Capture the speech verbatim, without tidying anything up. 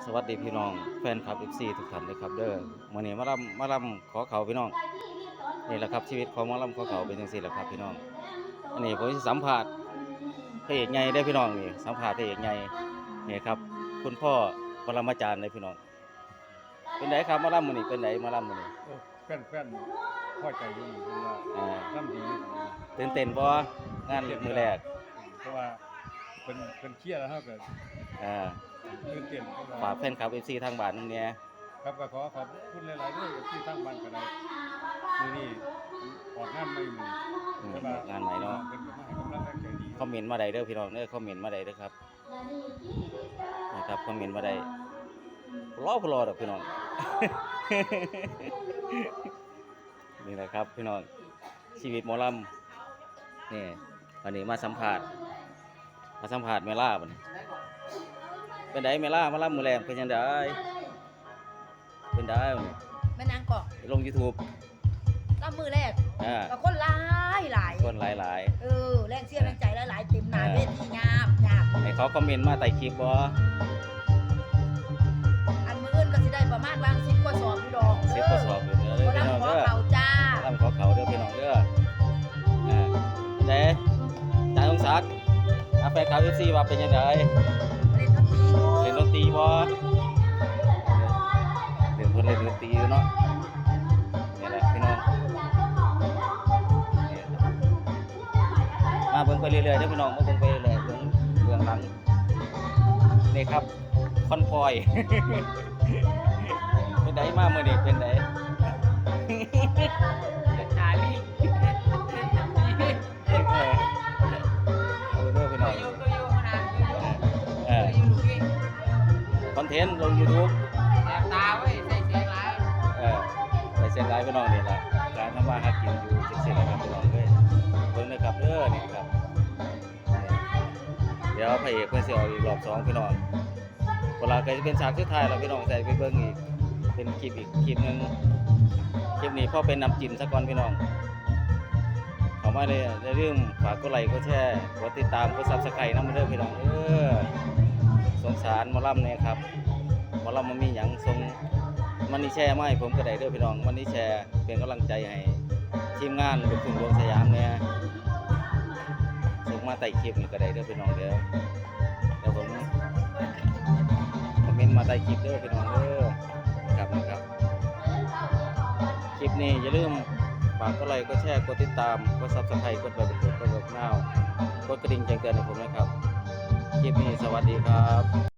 สวัสดีพี่น้องแฟนคลับ เอฟ ซี ทุกท่านเลยครับเด้อมื้อนี้มาลำมาลำขอเขาพี่น้องนี่แหละครับชีวิตของหมาลำขอเขาเป็นจังซี่แหละครับพี่น้องอันนี้ผมสิสัมภาษณ์พระเอกใหญ่ได้อพี่น้องนี่สัมภาษณ์พระเอกใหญ่นี่ครับคุณพ่อปรมาจารย์เลยพี่น้องเป็นไดครับมาลำมื้อนี้เป็นไดมาลำมื้อนี้เออแฟนแฟนพอใจอยู่เพิ่นว่าอ่าน้ำดีอยู่ตื่นเต้นบ่งานมื้อแรกเพราะว่าเป็นเป็นเครียดแล้วเฮาก็อ่าตื่นเต้นเพิ่นฝาว่ากแฟนคลับ เอฟ ซี ทางบ้านนำแหน่ครับก็ขอขอบคุณหลายๆเด้อที่ทางบ้านก็ได้มื้อนี้ออกงานใหม่มื้ออืมแต่ว่งานใหม่เนาะเพิ่นก็มาให้กำลังใจดีคอมเมนต์มาได้เด้อพี่น้องเด้อคอมเมนต์มาได้เด้อครับนะครับคอมเมนต์มาได้รอบ่รอดอกพี่น้อง นี่แหละครับพี่น้องชีวิตหมอลำนี่วันนี้มาสัมภาษณ์มาสัมภาษณ์เมล่าบัดนี้เป็นไดเมล่ามาลำมื้อแรงเป็นจังไดเป็นไดบัดนี้แม่นางกอกลง YouTube รับมือแรกอ่าก็คนหลายหลายคนหลายเออแรงเสียแรงใจหลายๆเต็มหน้าเวทีงาบงาบๆให้เขาคอมเมนต์มาใต้คลิปบ่อันมื้ออื่นก็สิได้ประมาณวางสิบกว่าสอบอยู่ดอกสิบกว่าสอบอยู่เด้อเด้อพี่น้องขอเด้อเขาจ้าลำขอเขาเด้อพี่น้องเด้ออ่าเด้จ่าสงศักดิ์อาแฟนคลับ เอฟ ซี ว่าเป็นจังไดเล่นดนตรีอยู่เล่นดนตรีบ่เล่นเพิ่นเล่นดนตรีอยู่เนาะนี่แหละพี่น้องนี่มาเบิ่งไปเรื่อยๆเด้อพี่น้องมาเบิ่งไปเรื่อยๆเบิ่งเบื้องหลังนี่ครับคอนพอย เป็นไดมามื้อนี้เป็นไดชาลีเออเอาเด้อพี่น้องโยโยขนาดโยโยเออโยลูกนี่คอนเทนต์ลง YouTube แสบตาเว้ยใส่เสียงหลายเออไปเส้นไลฟ์พี่น้องนี่แหละการทำมาหากินอยู่จังซี่แหละครับพี่น้องเอ้ยเบิ่งนะครับเด้อนี่ครับนี่เดี๋ยวพระเอกเพิ่นสิออกอีกรอบสองพี่น้องเวลาก็จะเป็นฉากสุดท้ายแล้วพี่น้องใส่ไปเบิ่งอีกเป็นคลิปอีกคลิปหนึงคลิปนี้พอเป็นน้ำจิ้มซะก่อนพี่น้องเข้ามาเลยอย่าลืมฝากกดไลค์กดแชร์กดติดตามกด Subscribe นำเด้อพี่น้องเออสงสารหมอลำเนี่ยครับหมอลำมันมีหยังส่งมันนี่แชร์มาให้ผมก็ได้เด้อพี่น้องมันนี่แชร์เป็นกำลังใจให้ทีมงานลูกทุ่งดวงสยามเนี่ยส่งมาใต้คลิปนี่ก็ได้เด้อพี่น้องเด้อเดี๋ยวผมคอมเมนต์มาใต้คลิปเด้อพี่น้องเด้อครับนะครับคลิปนี้อย่าลืมฝากกดไลค์กดแชร์กดติดตามกด Subscribe กดไลค์กดกดกดนาวกดกระดิ่งแจ้งเตือนให้ผมนะครับคลิปนี้สวัสดีครับ